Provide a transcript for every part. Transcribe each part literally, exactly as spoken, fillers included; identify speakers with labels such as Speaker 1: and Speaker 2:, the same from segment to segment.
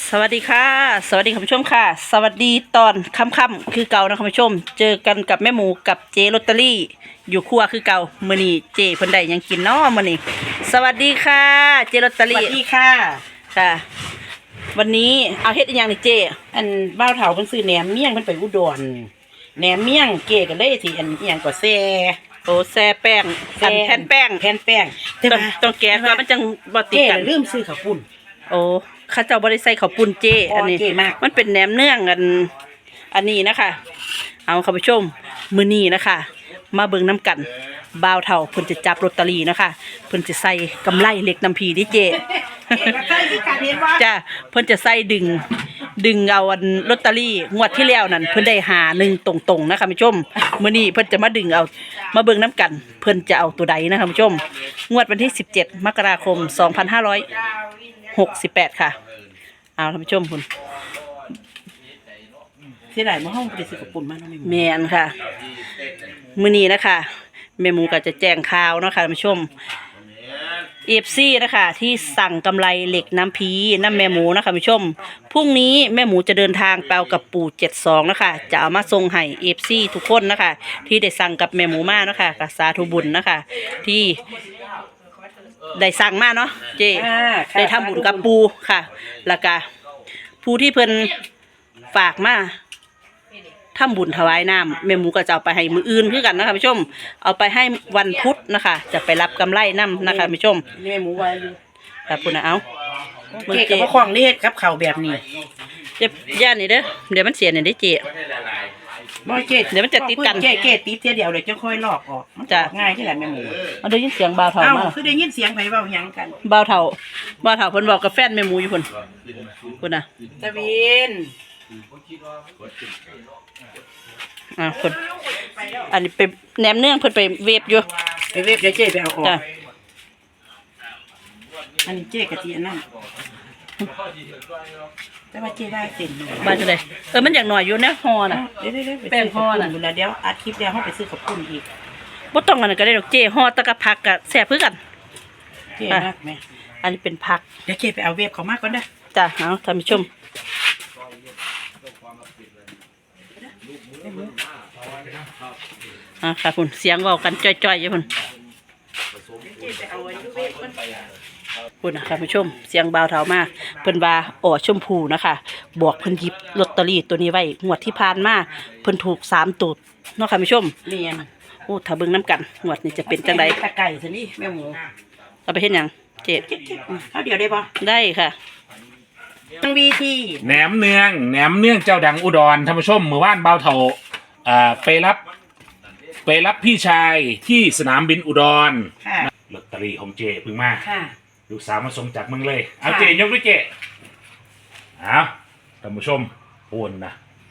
Speaker 1: สวัสดีค่ะสวัสดีคุณผู้ชมค่ะสวัสดีตอนค่ำๆคือเก่านะคุณผู้ชมเจอกันกับแม่หมูกับเจลอตเตอรี่อยู่ครัวคือเก่ามื้อนี้เจเพิ่นได้ยังกินเนาะมื้อนี้สวัสดีค่ะเจลอตเตอ
Speaker 2: ส
Speaker 1: รี่
Speaker 2: วัสดีค่ะ
Speaker 1: ค่ะ วันนี้เอาเฮ็ดอีหยังนี่เจ
Speaker 2: อันบ้าวเฒ่าเพิ่นซื้อแหนมเมี่ยงเพิ่นไปอุดรแหนมเมี่ยงเก๋กันเลยที่อันอีหยังก็แซ่
Speaker 1: โอ้แซ่แป้งอันแผ่นแป้ง
Speaker 2: แผ่นแป้ง
Speaker 1: ต้องต้องแกะก่อนมันจังบ่ติด
Speaker 2: เก๋
Speaker 1: กัน
Speaker 2: ลืมซื้อข้าวปุ้น
Speaker 1: โอ้ข้าเจ้าบ่ได้ใส่ข้าวปุ้นเจ
Speaker 2: อ๋ออั
Speaker 1: อันนี้
Speaker 2: เก๋มาก
Speaker 1: มันเป็นแหนมเนืองอันอันนี้นะคะ เอาคุณผู้ชมมื้อนี้นะคะ มาเบิ่งน้ำกันบ่าวเฒ่าเพิ่นจะจับลอตเตอรี่นะคะเพิ่นจะใส่กำไรเหล็กน้ำพีดิเจ
Speaker 2: ใช่ที่การเห็นว่า
Speaker 1: จ้าเพิ่นจะใส่ดึง ดึงเอาอันลอตเตอรี่งวดที่แล้วนั่นเพิ่นได้หาหนึ่งตรงๆนะคะคุณผู้ชมมื้อนี้เพิ่นจะมาดึงเอามาเบิ่งน้ำกัน เพิ่นจะเอาตัวใดนะคะคุณผู้ชมงวดวันที่สิบเจ็ดมกราคมสองพันห้าร้อยหกสิบแปดค่ะเอาท่านผู้ชมคุณ
Speaker 2: เสียดายมาห้องไปซื้อข้าวปุ้นมาเนาะ
Speaker 1: แม่นค่ะมื้อนี้นะคะแม่หมูก็จะแจ้งข่าวเนาะค่ะท่านผู้ชม เอฟซีนะคะที่สั่งกำไรเหล็กน้ำพีน้ำแม่หมูนะคะคุณผู้ชมพรุ่งนี้แม่หมูจะเดินทางไปเอากับปู่เจ็ดสองนะคะจะเอามาส่งให้เอฟซีทุกคนนะคะที่ได้สั่งกับแม่หมูมานะคะกับสาธุบุญนะคะที่ได้สั่งมาเนาะเจได้ทำบุญกับปู่ค่ะแล้วก็ผู้ที่เพิ่นฝากมาทำบุญถวายน้ำแม่หมูก็จะเอาไปให้มืออื่นคือกันนะคะผู้ชมเอาไปให้วันพุธนะคะ จะไปรับกำไรน้ำนะคะผู้ชม
Speaker 2: นี่แม่หมูไว้อยู่
Speaker 1: ค่ะพุ่นนะเอา
Speaker 2: เก๋กับพ่อคล้องเฮ็ดกับข้าวแบบนี้
Speaker 1: เจ็บย่านนี่เด้อเดี๋ยวมันเสียเนี่ยได้เจ
Speaker 2: บ่เก๋
Speaker 1: เดี๋ยวมันจะติดกัน
Speaker 2: เก๋เก๋ติดเสียเดียวเลยจะค่อยลอกออกมันจะง่ายที่แหละแม่หมู
Speaker 1: เอาได้ยินเสียงบ่าวเฒ่า
Speaker 2: เอ้า
Speaker 1: มา
Speaker 2: คือได้ยินเสียงไผเว้าหยังกัน
Speaker 1: บ่าวเฒ่าบ่าวเฒ่าเพิ่นบอกกับแฟนแม่หมูอยู่พุ่นพุ่นน่ะ
Speaker 2: ตะวิน
Speaker 1: อ่าพุ่นอันนี้ไปแหนมเนืองเพิ่นไปเวฟอยู่
Speaker 2: ไปเว็บเดี๋ยวเจ๊ไปเอาออก
Speaker 1: จ้ะ
Speaker 2: อันนี้เจ๊กะทิอันนั้นแต่ว่าเจ๊ได้เต็มเลย
Speaker 1: บ้านจังได๋เออมันอยากหน่อยอยู่แนวฮอน่ะ
Speaker 2: เดี๋ยวเดี๋ยวเดี๋ยวไป
Speaker 1: แป้ง
Speaker 2: ซื้อ
Speaker 1: ห่อ
Speaker 2: ข้าว
Speaker 1: น่ะ
Speaker 2: ปุ้นแล้วเดี๋ยวอัดคลิปแล้วเขาไปซื้อข้าวปุ้นอีก
Speaker 1: บ่ต้องอันนั้นก็ได้ดอกเจฮอตะกะผักก็แซ่บคือกัน
Speaker 2: เจ๊มากไหม
Speaker 1: อันนี้เป็นผัก
Speaker 2: เดี๋ยวเจ๊ไปเอาเว็บเขามากก่อนเด้อ
Speaker 1: จ้ะเอาท่านผู้ชมอ่าค่ะพุ่นเสียงเว้ากันจ้อยๆอยู่พุ่น
Speaker 2: เจ๊ไปเอาไว้ที่เว็บก่อน
Speaker 1: พุ่นนะท่านผู้ชมเสียงบ่าวเฒ่ามาเพิ่นว่าอ๋อชมพูนะคะบอกเพิ่นหยิบลอตเตอรี่ตัวนี้ไว้งวดที่ผ่านมาเพิ่นถูกสามตัวเนาะค่ะผู้ชม
Speaker 2: เรียน
Speaker 1: โอ้ถ้าเบิ่งน้ำกันงวดนี้จะเป็นจังได
Speaker 2: ตะไก่สินี่แม่หมู
Speaker 1: เอาไปเฮ็ดหยังเจ็ด
Speaker 2: เขาเดี๋ยวได้ปะ
Speaker 1: ได้ค่ะ
Speaker 2: ตั้งวีที
Speaker 3: แหนมเนืองแหนมเนืองเจ้าดังอุดรท่านผู้ชมเมื่อวานเบาเถาอ่าไปรับ ไปรับพี่ชายที่สนามบินอุดร
Speaker 2: ค่ะ
Speaker 3: ลอตเตอรี่ของเจเพิ่งมา
Speaker 2: ค่ะ
Speaker 3: ลูกสาวมาส่งจากเมืองเลยเอา
Speaker 2: ค่ะ
Speaker 3: เจยกด้วยเจเอาท่านผู้ชมโอนนะ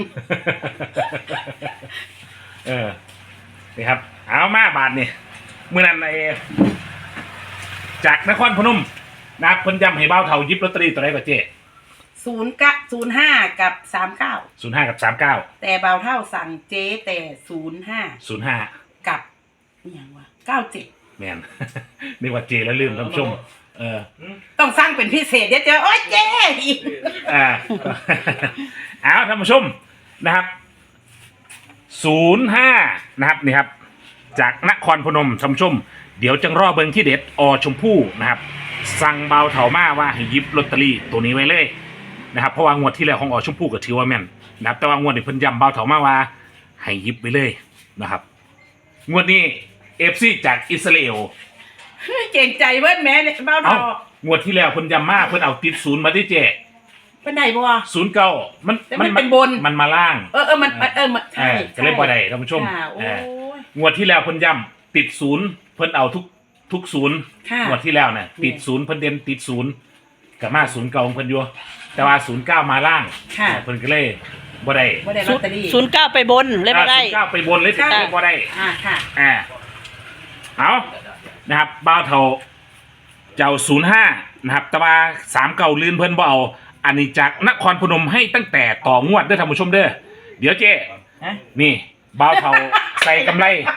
Speaker 3: เออนี่ครับ เอามาบาทนี่เมื่อนั้นไอ้จากนครพนมนะครับเพิ่นย้ำให้เบาเถาหยิบลอตเตอรี่ตัวไหนก่อนเจ
Speaker 2: ศูนย์กะศูนย์ห้ากับสามเก้า
Speaker 3: ศูนย์ห้ากับสามเก้า
Speaker 2: แต่เบาเท่าสั่งเจ๊แต่ศูนย์ห้า
Speaker 3: ศูนย์ห้า
Speaker 2: กับนี่ยังวะเก้าเจ็ด
Speaker 3: แมน นี่ว่าเจแล้วลืมท่านผู้ชม เออ
Speaker 2: ต้องสร้างเป็นพิเศษเดี๋ยวเจอโอ๊ยเจ๊อีก
Speaker 3: อ่า เอาท่านผู้ชมนะครับศูนย์ห้านะครับนี่ครับ จากนครพนมท่านผู้ชม เดี๋ยวจังรอเบิงที่เด็ดอชมพู่นะครับ สั่งเบาเถามาว่าให้หยิบลอตเตอรี่ตัวนี้ไว้เลยนะครับเพราะว่างวดที่แล้วของอชมพู่ก็ถือว่าแม่นนะครับแต่ว่างวดนี้เพิ่นย้ำเบาเถามาว่าให้หยิบไปเลยนะครับ งวดนี้เอฟซีจากอิสราเอล
Speaker 2: เก่งใจเบิ้ลแม่เนี่ยเบ้า
Speaker 3: เอ้า
Speaker 2: ดอก
Speaker 3: งวดที่แล้วเพิ่นย้ำมาเพิ่นเอาติดศูนย์มาที่เจ
Speaker 2: เป็นไหนบัว
Speaker 3: ศูนย์เก้ามัน
Speaker 2: แต่มันเป็นบน
Speaker 3: มันมาล่าง
Speaker 2: เออเออมันเออมัน
Speaker 3: เอ
Speaker 2: ใช่
Speaker 3: อก็เลยบ่ได้ท่านผู้ชม
Speaker 2: ค่ะโอ้
Speaker 3: เออย งวดที่แล้วเพิ่นย้ำติดศูนย์เพิ่นเอาทุกทุกศูนย์
Speaker 2: ค่ะ
Speaker 3: งวดที่แล้วน่ะติดศูนย์เพิ่นเด่นติดศูนย์กับมาศูนย์เก่าของเพิ่นอยู่แต่ว่าศูนย์เก้ามาล่าง
Speaker 2: ค่ะ
Speaker 3: เออเพิ่นก็เลยบ่ได้
Speaker 2: บ่ได้ลอตเตอรี่
Speaker 1: ศูนย์เก้าไปบนเลยบ่ได้
Speaker 3: ศูนย์เก้าไปบนเลย
Speaker 2: ค่ะ
Speaker 3: บ่ได้
Speaker 2: อ่าค่ะ
Speaker 3: อ่าเอานะครับบ้าวเท่าเจ้าศูนย์ห้านะครับแต่ว่าสามเก่าลื่นเพิ่นบ่เอาอันนี้จากนครพนมให้ตั้งแต่ต่องวดเด้อท่านผู้ชมเด้อเดี๋ยวเจ๊
Speaker 2: ฮะ
Speaker 3: นี่บ้าวเท่า ใส่กำไร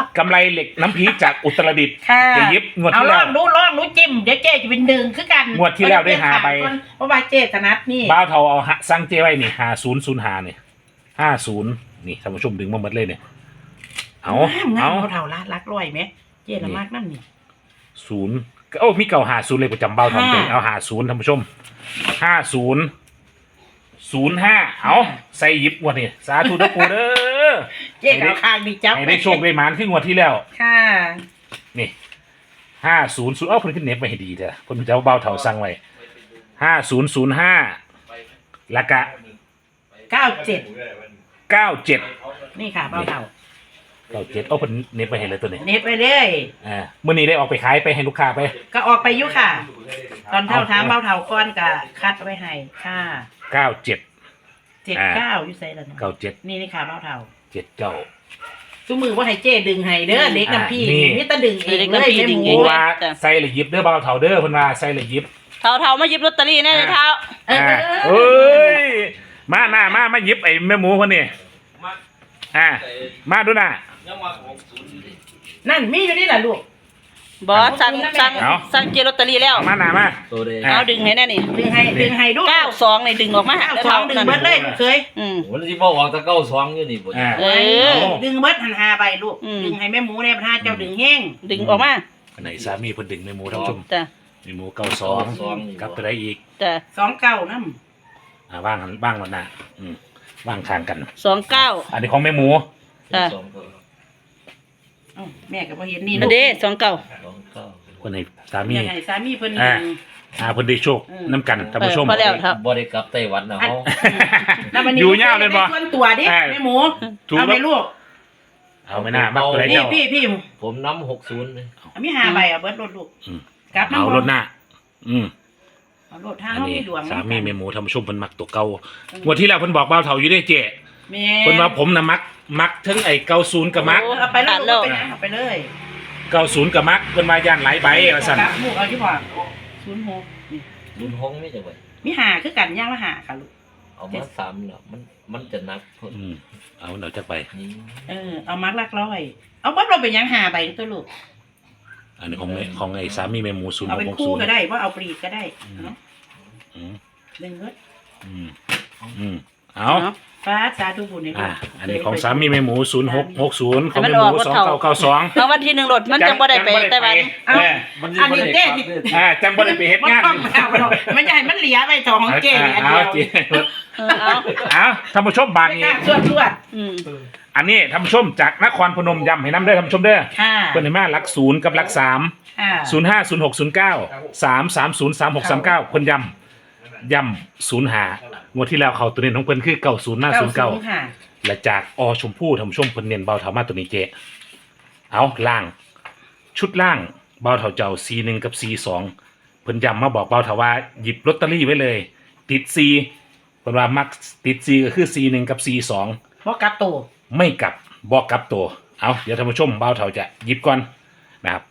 Speaker 3: กำไรเหล็กน้ำพีจากอุตรดิตถ์
Speaker 2: ค่ะ
Speaker 3: จะยิบงวด
Speaker 2: เอา
Speaker 3: ที่
Speaker 2: ล
Speaker 3: แล้
Speaker 2: อ
Speaker 3: ว
Speaker 2: งดูลองดูจิ้มเดี๋ยวเจ๊จะเป็นดึงคือกัน
Speaker 3: งวดที่แล้วได้หาใบ
Speaker 2: เพราะว่าเจ๊ถนัดนี่
Speaker 3: บ้าวเทาเอาหะสั่งเจไว้นี่ห้าศูนย์ศูนย์ห้าเนี่ยห้าศูนย์นี่ท่านผู้ชมดึงมาหมดเลยเนี่ยเอา
Speaker 2: เอา
Speaker 3: เอา
Speaker 2: เท่าละรักร้อยไหมเจ๊ละมากนั่นนี่
Speaker 3: ศูนย์โอ้มีเก่าหาศูนย์เลยประจำเบ้าทอง
Speaker 2: ห้า
Speaker 3: เป็นเอาหาศูนย์ท่านผู้ชมห้าศูนย์ศูนย์ห้าเอาใส่หยิบงวดนี่สาธุนะปูเด้อ
Speaker 2: เจ๊เอาคางดีจับ
Speaker 3: ให้ได้โชคได้หมานขึ้นงวดที่แล้ว
Speaker 2: ค่ะ
Speaker 3: นี่ห้าศูนย์ศูนย์เอ้าเพิ่นขึ้นเน็ตไปให้ดีเถอะเพิ่นจะเอาเบ้าเถาสั่งไว้ห้าศูนย์ศูนย์ห้าแล้วก็
Speaker 2: เก้าเจ็ด
Speaker 3: เก้าเจ็ด
Speaker 2: นี่ค่ะเบาเท่า
Speaker 3: เก้าเจ็ดเอ้าเพิ่นเน็ตไปให้เลยตัวนี้
Speaker 2: เน็ตไปเลย
Speaker 3: อ่ามื้อนี้ได้ออกไปขายไปให้ลูกค้าไป
Speaker 2: ก็ออกไปอยุค่ะ ตอนเท่าถามเบาเท่าก้อนก็คัดไว้ให้ค่ะ
Speaker 3: เก้าเจ็ด
Speaker 2: เจ็ดเก้าอยู่ใส่แล้วนะ
Speaker 3: เก้าเจ็ด
Speaker 2: นี่นี่ค่ะเบาเท่า
Speaker 3: เจ็ดเก้า
Speaker 2: ซุ้มือว่าให้เจ๊ดึงให้เด้อเล็กน้ำพี่
Speaker 3: อ่านี่
Speaker 2: นี่ตะดึงเอง
Speaker 1: เล็ก
Speaker 2: เลย
Speaker 1: น้ำพี่
Speaker 2: ไม่
Speaker 1: ดึง
Speaker 2: ห
Speaker 1: เอ
Speaker 2: มู
Speaker 1: ง
Speaker 3: ว่าใส่ละหยิบเด้อเบาเถาเด้อเพิ่นว่าใส่ละหยิบ
Speaker 1: เท่าเท่ามาหยิบลอตเตอรี่แน่เลยเท่า
Speaker 2: เออ
Speaker 3: อ่า
Speaker 2: เอ
Speaker 3: เอ้
Speaker 2: อย
Speaker 3: มาหน้ามามาหยิบไอ้แม่หมูคนนี้อ่ามาดูหน้า
Speaker 2: นั่นมีอยู่นี่แหละลูก
Speaker 1: บอสสั่งสั่ง
Speaker 3: เอา
Speaker 1: สั่งเจลอตเตอรี่แล้ว
Speaker 3: เอามาหน้ามา
Speaker 4: ตัวเด
Speaker 3: อ่ะ
Speaker 1: เอาดึงให้แน่นี่
Speaker 2: ดึงให้ดึงให้ดู
Speaker 1: เก้าสองในดึงออกมา
Speaker 2: เก้าสองดึงเบิดเลยเคย
Speaker 1: อืม
Speaker 4: มันที่บอกว่าตะเก้าสองอยู่นี่บ่
Speaker 3: อ่า
Speaker 1: เออ
Speaker 2: ดึงเบิดหันหาใบลูก
Speaker 1: อืม
Speaker 2: ดึงให้แม่หมูเนี่ยพระเจ้าดึงแห้ง
Speaker 1: ดึงออกมา
Speaker 3: อันไหนสามีเพิ่นดึงแม่หมูท่านผู้ชม
Speaker 1: จ้ะ
Speaker 3: แม่หมูเก้าสองกับตัวใดอีก
Speaker 1: จ้ะ
Speaker 2: สองเก้าน้
Speaker 3: อ่าว่างกันว่างวันหน้าอืมว่างทางกัน
Speaker 1: สองเก้า
Speaker 3: อันนี้ของแม่หมู
Speaker 1: จ้ะ
Speaker 4: สองเก้า
Speaker 2: ำเอ้าแม่ก็บ่เห็นนี่
Speaker 1: อันเด้สองเก้า
Speaker 4: สองเก้า
Speaker 3: คนให้สามี
Speaker 2: อยากให้สามีเพิ่น
Speaker 3: อ่า
Speaker 2: ดึง
Speaker 3: อ่าเพิ่นได้โชค
Speaker 2: อืม
Speaker 3: น้ำกันท่านผู้ชม
Speaker 1: เออพอแล้วครับ
Speaker 4: บ่ได้กลับไต้หวันนะเฮา
Speaker 2: แล้ววันนี้
Speaker 3: อยู่ยาวเลยบ่
Speaker 2: ส่วนตัวดิ
Speaker 3: เออ
Speaker 2: แม่หมู
Speaker 3: ถูก
Speaker 2: เอา
Speaker 3: แล้
Speaker 2: ไป
Speaker 3: ว
Speaker 2: ลูก
Speaker 3: เอาไม่น่ามักตัวใด
Speaker 2: นี่
Speaker 3: เจ้า
Speaker 2: พี่พี่
Speaker 4: ผมน้ำหกศูนย์เลย
Speaker 2: เอามีหาใบเอาเบิดรถลูก
Speaker 3: อืม
Speaker 2: กลับ
Speaker 3: เอา
Speaker 2: น้ำ
Speaker 3: รถหน้า อืม
Speaker 2: เอารถทาง
Speaker 3: อัน
Speaker 2: เฮา
Speaker 3: นี้
Speaker 2: มีดวง
Speaker 3: สามีแม่หมูท่านผู้ชมเพิ่นมักตัวเก่างวดที่แล้วเพิ่นบอกเบาเฒ่าอยู่ได้เจ๊
Speaker 2: แม่
Speaker 3: เพิ่นว่าผมน่ะมักมักทั้งไอ้เก้าศูนย์กับมัก
Speaker 1: โอ้
Speaker 2: เอาไปแล้วลูกเอาไปนะเอาไปเลย
Speaker 3: เก้าศูนย์กับมักเพิ่นว่าย่านหลายใบว่าซั่น
Speaker 2: กลับลูกเอาที่บ่ศูนย์หกนี่
Speaker 4: รุ่นห้องไม่จังได๋
Speaker 2: มีหาคือกันย่างละหาค่ะลูก
Speaker 4: เอามาสามแล้วมันมันจะนักเพิ่น
Speaker 3: อืมเอาเดี๋ยวจักไป
Speaker 4: นี่
Speaker 2: เออเอามักลักร้อย เอาบัดเราเป็นหยังหาใบตัวลูก
Speaker 3: อันนี้ของไอ้ของไอ้สามีแม่หมูศูนย์
Speaker 2: เอาเป็น
Speaker 3: หก
Speaker 2: คู่
Speaker 3: ศูนย์
Speaker 2: ก็ได้ว่าเอาปลีกก็ได้เนาะ
Speaker 3: อืม
Speaker 2: ดึงเบิด
Speaker 3: อืมอืมเอา
Speaker 2: ฟ้าสาธุบุญในลู
Speaker 3: อ่ะ
Speaker 2: ก
Speaker 3: อันนี้ของสามีแม่หมูศูนย์หกหกศูนย์ของ
Speaker 1: ให้มัน
Speaker 3: แม่ห
Speaker 1: ออก
Speaker 3: มู
Speaker 1: รถ
Speaker 3: สอง
Speaker 1: เท่า
Speaker 3: เก้าเก้าสอง
Speaker 1: รางวัลที่หนึ่งรถมันจังบ่ได้ไปไต้หวัน
Speaker 3: เออ
Speaker 4: มันสิ
Speaker 2: อัน
Speaker 4: บ่
Speaker 2: นี้
Speaker 4: ได้
Speaker 2: เจ๊
Speaker 4: กลับ
Speaker 2: ที่
Speaker 4: เลย
Speaker 3: อ่าจังบ่ได้ไปเฮ็ด
Speaker 2: มัน
Speaker 3: งาน
Speaker 2: ต้องเอาเราไม่ใช่มันเหลียไปสองของเจ๊อัน
Speaker 3: เอา
Speaker 2: เดียว
Speaker 3: เจ๊
Speaker 1: เออเอา
Speaker 3: เอาท่านผู้ชมบาท
Speaker 2: ไม่
Speaker 3: นี้
Speaker 2: กล้าชวดชวด
Speaker 1: อืม
Speaker 3: อันนี้ท่านผู้ชมจากนครพนมย้ำให้น้ำเด้อท่านผู้ชมเด้อ
Speaker 2: ค่ะ
Speaker 3: เพิ่นให้มาหลักศูนย์กับหลักสาม
Speaker 2: ค่ะ
Speaker 3: ศูนย์ห้าศูนย์หกศูนย์เก้าสามสามศูนย์สามหกสามเก้าเพิ่นย้ำย้ำศูนย์หางวดที่แล้วเขาตัวนี้ของเพิ่นคือเก้าศูนย์หน้าศูนย์เก้า
Speaker 2: ค่ะ
Speaker 3: และจากอชมพู่ท่านผู้ชมเพิ่นเน้นเบาเถามาตัวนี้เจเอาล่าง ชุดล่างเบาเถาเจ้า ซี หนึ่ง กับ ซี สอง เพิ่นย้ำมาบอกเบาเถาว่าหยิบลอตเตอรี่ไว้เลย ติด C เพิ่นว่ามักติด C ก็คือ ซี หนึ่ง กับ ซี สอง
Speaker 2: เพราะกลับตัว
Speaker 3: ไม่กลับบอกกลับตัว เอาเดี๋ยวท่านผู้ชมเบาเถาจะหยิบก่อนนะครับ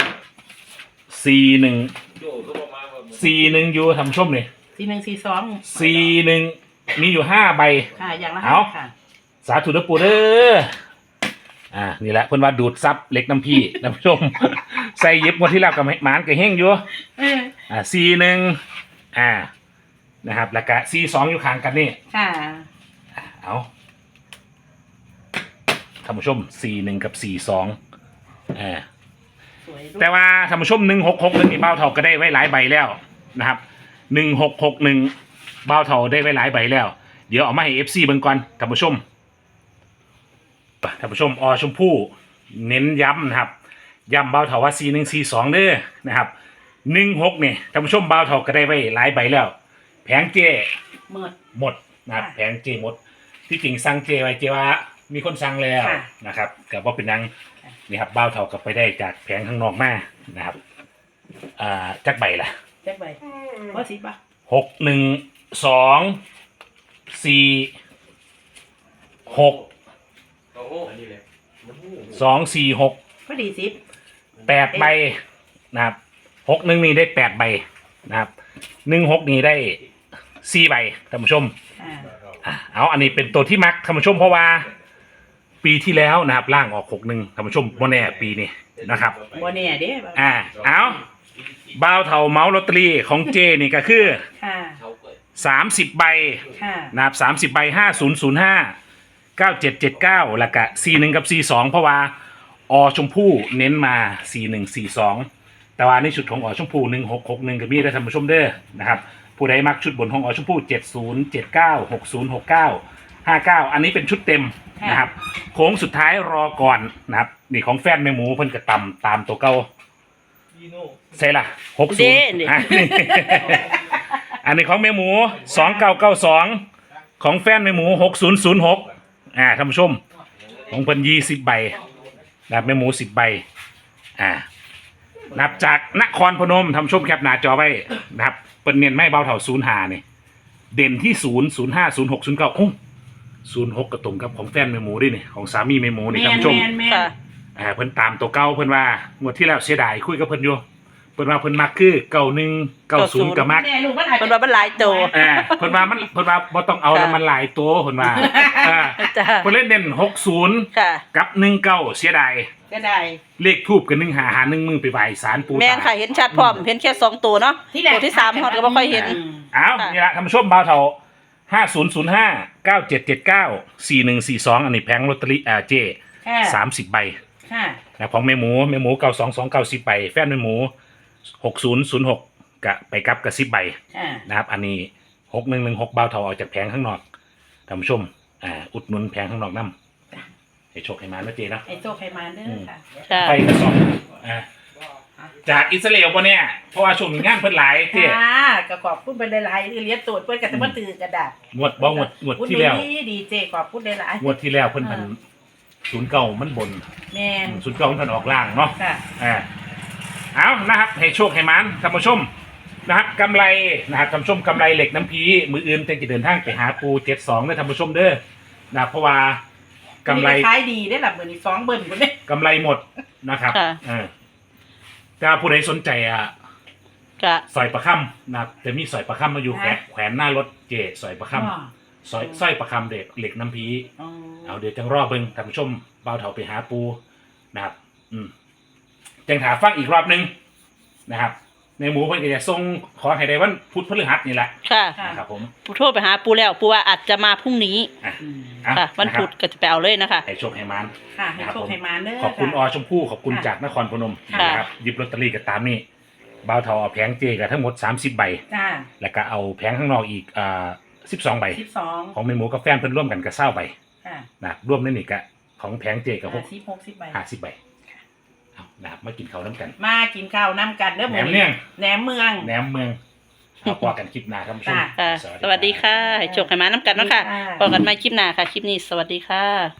Speaker 3: C หนึ่ง C หนึ่งอยู่ท่านผู้ชมนี่
Speaker 2: สี่หนึ่งสี่สอง
Speaker 3: C หนึ่งมีอยู่ห้าใบ
Speaker 2: ค่ะอย่างละ
Speaker 3: เอา
Speaker 2: ห้าค่ะ
Speaker 3: สาธุเด้อปู่เด้ออ่านี่แหละเพิ่นว่าดูดซับเล็กน้ำพี่ ท่านผู้ชม ใส่หยิบงวดที่แล้วกับหมานกับเฮงอยู่
Speaker 2: เออ
Speaker 3: อ่า C หนึ่งอ่านะครับแล้วก็ C สองอยู่ข้างกันนี่
Speaker 2: ค่ะ
Speaker 3: เอาท่านผู้ชม C หนึ่งกับ C สองอ่า
Speaker 2: สวยด้วย
Speaker 3: แต่ว่าท่านผู้ชมหนึ่งหกหกหนึ่งนี่เบ้าเท่าก็ได้ไว้หลายใบแล้วนะครับหนึ่งหกหกหนึ่งเบ้าเท่าได้ไว้หลายใบแล้ว เดี๋ยวเอามาให้ เอฟ ซี เบิ่งก่อนท่านผู้ชมท่านผู้ชมอชมพู่เน้นย้ำนะครับย้ำเบ้าเท่าว่า C หนึ่ง C สองเด้อนะครับหนึ่งหกเนี่ยท่านผู้ชมเบ้าเท่าก็ได้ไว้หลายใบแล้ว แผงเจ
Speaker 2: เมิด
Speaker 3: หมดนะครับ
Speaker 2: ค่ะ
Speaker 3: แผงเจหมด ที่จริงสั่งเจไว้เจว่ามีคนสั่งแล้ว
Speaker 2: ค่ะ
Speaker 3: นะครับกับว่าเป็นนัง
Speaker 2: ค่ะ
Speaker 3: นี่ครับเบ้าเท่ากับไปได้จากแผงข้างนอกมานะครับอ่าจักใบล่ะ
Speaker 2: แจ็คใบว่าสิบป่ะ
Speaker 3: หกหนึ่งสองสี่หกสองสี่หก
Speaker 2: ก็ดีสิบ
Speaker 3: แปดใบนะครับหกหนึ่งนี่ได้แปดใบนะครับหนึ่งหกนี่ได้สี่ใบท่านผู้ชม
Speaker 2: อ่า
Speaker 3: อ่ะเอาอันนี้เป็นตัวที่มักท่านผู้ชมเพราะว่าปีที่แล้วนะครับล่างออกหกหนึ่งท่านผู้ชมโมแน่ปีนี้นะครับ
Speaker 2: บ่แน่เด้
Speaker 3: อ่าเอาบ่าวเถาเมาส์ลอตเตอรี่ของเจนี่ก็คือ
Speaker 2: ค่ะ
Speaker 3: สามสิบใบ
Speaker 2: ค่ะ
Speaker 3: นะครับสามสิบใบห้าศูนย์ศูนย์ห้าเก้าเจ็ดเจ็ดเก้าแล้วก็สี่หนึ่งกับสี่สองเพราะว่าอชมพู่เน้นมาสี่หนึ่งสี่สองแต่ว่าในชุดของอชมพู่หนึ่งหกหกหนึ่งก็มีได้ท่านผู้ชมเด้อนะครับผู้ใดมักชุดบนของอชมพู่เจ็ดศูนย์เจ็ดเก้าหกศูนย์หกเก้าห้าเก้าอันนี้เป็นชุดเต็มนะครับโค้งสุดท้ายรอก่อนนะครับนี่ของแฟนแม่หมูเพิ่นก็ตำตามตัวเก่าใช่ล่ะหกศูนย์อันนี้ของแม่หมูสองเก้าเก้าสองของแฟนแม่หมูหกศูนย์ศูนย์หกอ่าท่านผู้ชมของเพิ่นยี่สิบใบนะครับแม่หมูสิบใบอ่านับจากนครพนมท่านผู้ชมแคปหน้าจอไว้นะครับเปิ้นเน้นไม่เบาเท่าศูนย์ห้านี่เด่นที่ศูนย์ศูนย์ห้าศูนย์หกศูนย์เก้าโอ้ศูนย์หกกระตรงกับของแฟนแม่หมูด้วยนี่ของสามีแม่หมูนี่ท่านผู้ชม
Speaker 1: ค่ะ
Speaker 3: อ่าเพิ่นตามตัวเก่าเพิ่นว่างวดที่แล้วเสียดายคุยกับเพิ่นอยู่เพิ่นว่าเพิ่นมักคือเก้าหนึ่งเก้าศูนย์ก็มัก
Speaker 2: แน่ลูกมันอาจ
Speaker 1: เป็น
Speaker 2: จะ
Speaker 1: ว่ามันหลายตัว
Speaker 3: อ่าเพิ่นว่ามันเพิ่นว่าบ่ต้องเอาแล้วมันหลายตัวเพิ่นว่าอ่า
Speaker 1: จ้า
Speaker 3: เพิ่นเล่นเน้นหกศูนย์
Speaker 1: ค่ะ
Speaker 3: กับหนึ่งเก้าเสียดาย
Speaker 2: ก็ได้
Speaker 3: เลขทูบกับหนึ่งหาหาหนึ่งมือไปไหว้ศาลปู่
Speaker 1: แม่น
Speaker 3: ตา
Speaker 1: ค่ะเห็นชัดพร้อมเห็นแค่สองตัวเนาะ
Speaker 2: ที่แรก
Speaker 1: ตัวที่สามฮอดก็บ่ค่อยเห็น
Speaker 3: อ้าวนี่ละท่านผู้ชมบ่าวเฒ่าห้าศูนย์ศูนย์ห้า เก้าเจ็ดเจ็ดเก้า สี่หนึ่งสี่สองอันนี้แผงลอตเตอรี่อ่าเจ
Speaker 2: ค่ะ
Speaker 3: สามสิบใบ
Speaker 2: ค่ะ
Speaker 3: นะของแม่หมูแม่หมูเก้าสองสองเก้าสิบใบแฟนแม่หมูหกศูนย์ศูนย์หกกะไปกับกระสิบใบ
Speaker 2: ค่ะ
Speaker 3: นะครับอันนี้หกหนึ่งหนึ่งหกเบาเทาออกจากแผงข้างนอกท่านผู้ชมอ่าอุดหนุนแผงข้างนอกน้ำให้โชคให้มานะเจนะ
Speaker 2: ไอ้โซไขมันเด้อค่ะ
Speaker 1: ค่ะ
Speaker 3: ไปกระสอบอ่าจากอิสราเอลปะเนี่ยเพราะว่าช่วงนี้งานเพิ่นหลายเจ
Speaker 2: ค่ะก็ขอบคุณไปหลายๆที่เลี้ยงตูดเพื่อนกันแต่ว่าตื่นกระดาษ
Speaker 3: งวดบ่งวดงวดที่แล้ว
Speaker 2: ดีดีเจขอบคุณหลาย
Speaker 3: งวดที่แล้วเพิ่นพันศูนย์เก่ามันบน
Speaker 2: ๆแม่น
Speaker 3: ศูนย์เก่ามันพันออกล่างเนาะ
Speaker 2: ค่ะ
Speaker 3: อ่าเอานะครับให้โชคให้มันท่านผู้ชมนะครับกำไรนะครับท่านผู้ชมกำไรเหล็กน้ำพีมืออื่นเต็จะเดินทางไปหาปูเจ็ดสองเด้อท่านผู้ชมเด้อนะครับเพราะว่ากำไร
Speaker 2: ขายดีได้หลับเหมือนอีกสองเบิ้ลคนนี้
Speaker 3: กำไรหมดนะครับ
Speaker 1: ค่ะ
Speaker 3: เออถ้าผู้ใดสนใจอ่ะ
Speaker 1: กะ
Speaker 3: สอยประคำนะครับจะมีสอยประคำมาอยู่แขวนแขวนหน้ารถเจสอยประคำสอยสร้อยประคำเด็กเหล็กน้ำพีเอาเดี๋ยวจังรอเบิ่งท่านผู้ชมเบาเถาไปหาปูนะครับ อืมจังถาฟังอีกรอบหนึงนะครับ ในหมูเพิ่นก็จะส่งขอให้ได้วันพุธพฤหัสนี่แหละ
Speaker 1: ค่ะ
Speaker 3: นะครับผม
Speaker 1: ปูโทรไปหาปูแล้วปูว่าอาจจะมาพรุ่งนี้
Speaker 3: อ่ะ
Speaker 2: อืม
Speaker 3: อ่ะ
Speaker 1: ค่ะ วันพุธก็จะไปเอาเลยนะคะ
Speaker 3: ให้โชคให้มัน
Speaker 2: ค่ะให้โชคให้มาเด้อ
Speaker 3: ขอบคุณอ
Speaker 2: ค่ะ
Speaker 3: ชมพู่ขอบคุณ
Speaker 2: ค่ะ
Speaker 3: จากนครพนม
Speaker 1: ค่ะ
Speaker 3: นะครับหยิบลอตเตอรี่กับตามนี่เบาเทาเอาแผงเจกับทั้งหมดสามสิบใบ
Speaker 2: จ้า
Speaker 3: แล้วก็เอาแผงข้างนอกอีกอ่าสิบสองใบ
Speaker 2: สิบสอง
Speaker 3: ของเมหมูกับแฟนเพิ่นร่วมกันกับเศร้าใบ
Speaker 2: ค่ะ
Speaker 3: นะครับร่วมนั่นนี่กะของแผงเจกับหก
Speaker 2: สิบหกสิบใบ
Speaker 3: ห้าสิบใบเอานะครับมากินข้าวน้ำกัน
Speaker 2: มากินข้าวน้ำกันเด้อ
Speaker 3: แหนมเนือง
Speaker 2: แหนมเมือง
Speaker 3: แหนมเมืองเอาพอกันคลิปหน้าท่านผู้ชม
Speaker 2: ค่ะ
Speaker 1: ค่ะ สวัสดีค่ะ ให้โชคให้มาน้ำกันเนาะค่ะ
Speaker 2: สวัสดีค่ะ
Speaker 1: พบกันใหม่คลิปหน้าค่ะ คลิปนี้สวัสดีค่ะ